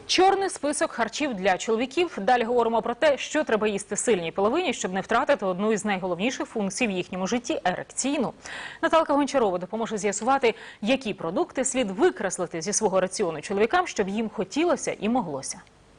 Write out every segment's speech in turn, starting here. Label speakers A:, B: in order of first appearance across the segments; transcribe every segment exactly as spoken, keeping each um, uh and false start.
A: Чорний список харчів для чоловіків. Далі говоримо про те, що треба їсти сильній половині, щоб не втратити одну із найголовніших функцій в їхньому житті – ерекційну. Наталка Гончарова допоможе з'ясувати, які продукти слід викреслити зі свого раціону чоловікам, щоб їм хотілося і моглося.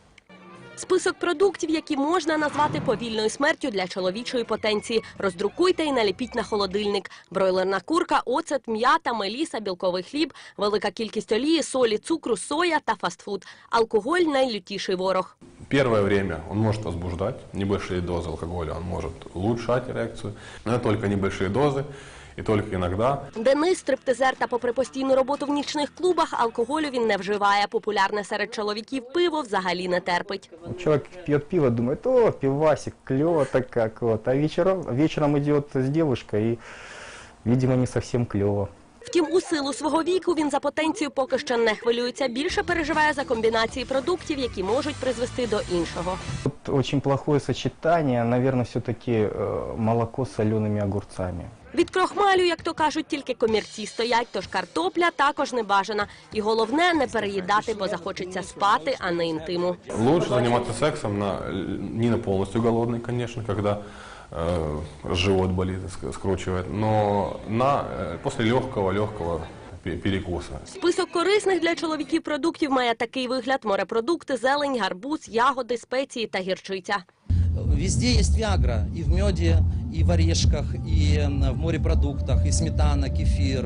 B: Список продуктів, які можна назвати повільною смертю для чоловічої потенції. Роздрукуйте і наліпіть на холодильник. Бройлерна курка, оцет, м'ята, меліса, білковий хліб, велика кількість олії, солі, цукру, соя та фастфуд. Алкоголь – найлютіший ворог.
C: Первое время он может возбуждать, небольшие дозы алкоголя он может улучшать эрекцию, но это только небольшие дозы. І тільки іноді.
B: Денис – стриптизер, та попри постійну роботу в нічних клубах, алкоголю він не вживає. Популярне серед чоловіків пиво взагалі не терпить.
D: Чоловік п'є пиво, думає, о, пивасик, кльово так як. Вот. А вечером, вечером йде з дівчиною і, видимо, не зовсім кльово.
B: Втім, у силу свого віку він за потенцію поки що не хвилюється. Більше переживає за комбінації продуктів, які можуть призвести до іншого.
D: Тут дуже плохое сочетання, мабуть, все-таки молоко з соленими огурцями.
B: Від крохмалю, як то кажуть, тільки комірці стоять, тож картопля також не бажана. І головне – не переїдати, бо захочеться спати, а не інтиму.
C: Лучше займатися сексом на, не на повністю голодний, звісно, коли э, живот болит, скручивает, но на, э, после легкого-легкого перекуса.
B: Список корисних для чоловіків продуктів має такий вигляд: морепродукти, зелень, гарбуз, ягоди, спеції та гірчиця.
E: Везде есть виагра, и в меде, и в орешках, и в морепродуктах, и сметана, кефир.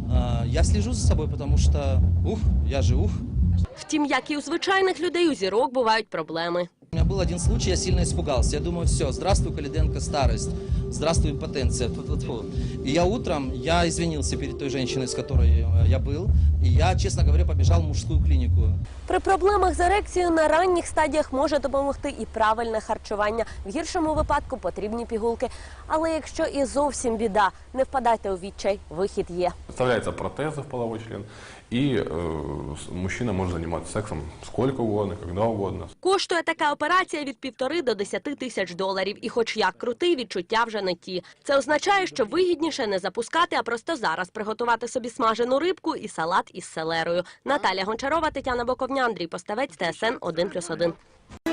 E: Я слежу за собой, потому что, ух, я же ух.
B: Втім, як і у звичайних людей, у зірок бувають проблеми.
E: У меня был один случай, я сильно испугался. Я думаю, все, здравствуй, Калиденко, старость, здравствуй, импотенция. Фу-фу-фу. И я утром, я извинился перед той женщиной, с которой я был, и я, честно говоря, побежал в мужскую клинику.
B: При проблемах з ерекцією на ранніх стадіях може допомогти і правильне харчування. В гіршому випадку потрібні пігулки. Але якщо і зовсім біда, не впадайте у відчай, вихід є.
C: Вставляется протез в половой член, и э, мужчина может заниматься сексом сколько угодно, когда угодно.
B: Коштує така операція від півтори до десяти тисяч доларів. І хоч як крутий, відчуття вже не ті. Це означає, що вигідніше не запускати, а просто зараз приготувати собі смажену рибку і салат із селерою. Наталя Гончарова, Тетяна Боковня, Андрій Поставець, Т С Н один плюс один.